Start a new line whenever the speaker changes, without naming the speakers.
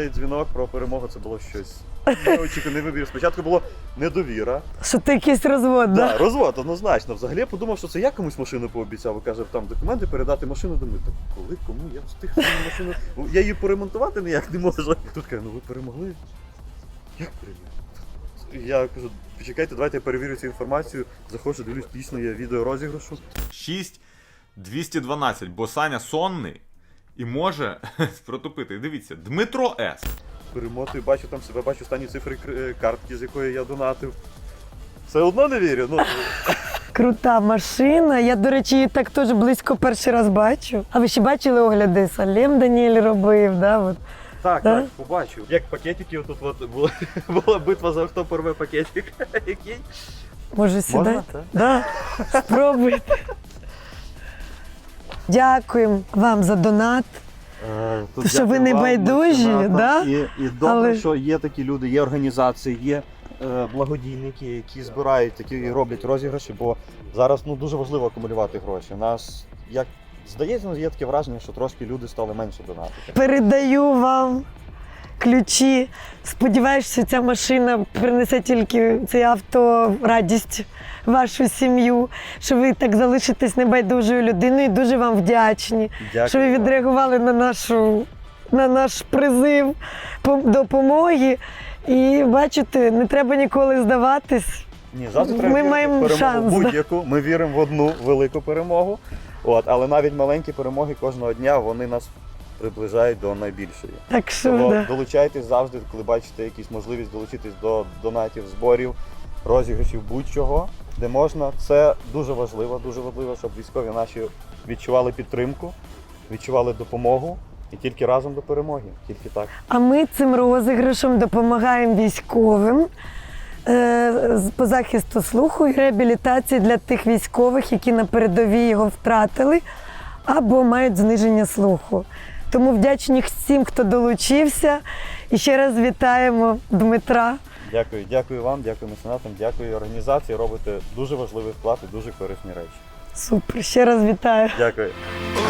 цей дзвінок про перемогу це було щось неочікуваний вибір. Спочатку було недовіра.
Що ти якийсь розвод,
Да,
да?
розвод, однозначно. Взагалі я подумав, що це я комусь машину пообіцяв, і каже, там документи передати машину. Думаю, так коли, кому? Я встиг свою машину. Я її поремонтувати ніяк не можу. І тут каже, ну ви перемогли? Як перемогли? Я кажу, почекайте, давайте я перевірю цю інформацію. Заходжу, дивлюсь, дійсно є відео розіграшу.
6212, бо Саня сонний і може протупити. Дивіться, Дмитро С.
Перемотую, бачу там себе, бачу останні цифри картки, з якої я донатив. Все одно не вірю. Ну,
Крута машина. Я, до речі, її так теж близько перший раз бачу. А ви ще бачили огляди? Салем Даніель робив, да? От.
так,
Да?
так, побачив. Як пакетики, тут от була битва за хто порве пакетик. Який?
Може сюди?
Можна, так?
Да. Спробуйте. Дякуємо вам за донат.
Тут
Що ви
дякую
не
вам,
байдужі,
меценатам.
да?
І добре,
Але-
що є такі люди, є організації, є благодійники, які збирають, які роблять розіграші, бо зараз дуже важливо акумулювати гроші. У нас, як здається, є таке враження, що трошки люди стали менше донатити.
Передаю вам ключі. Сподіваюся, що ця машина принесе тільки це авто радість в вашу сім'ю, що ви так залишитесь небайдужою людиною. Дуже вам вдячні,
Дякую
що ви
вам.
відреагували на наш призив допомоги. І бачите, не треба ніколи здаватись.
Ні, завжди треба
Ми
вірити в
маємо
перемогу
шанс, да.
будь-яку. Ми віримо в одну велику перемогу. Але навіть маленькі перемоги кожного дня вони нас приближають до найбільшої.
Так що,
Тому
да.
долучайтесь завжди, коли бачите якісь можливість долучитись до донатів, зборів, розіграшів, будь-чого, де можна. Це дуже важливо, щоб військові наші відчували підтримку, відчували допомогу і тільки разом до перемоги. Тільки так.
А ми цим розіграшем допомагаємо військовим по захисту слуху і реабілітації для тих військових, які на передовій його втратили або мають зниження слуху. Тому вдячні всім, хто долучився. І ще раз вітаємо Дмитра.
Дякую вам, дякую меценатам, дякую організації. Робите дуже важливий вклад і дуже корисні речі.
Супер, ще раз вітаю.
Дякую.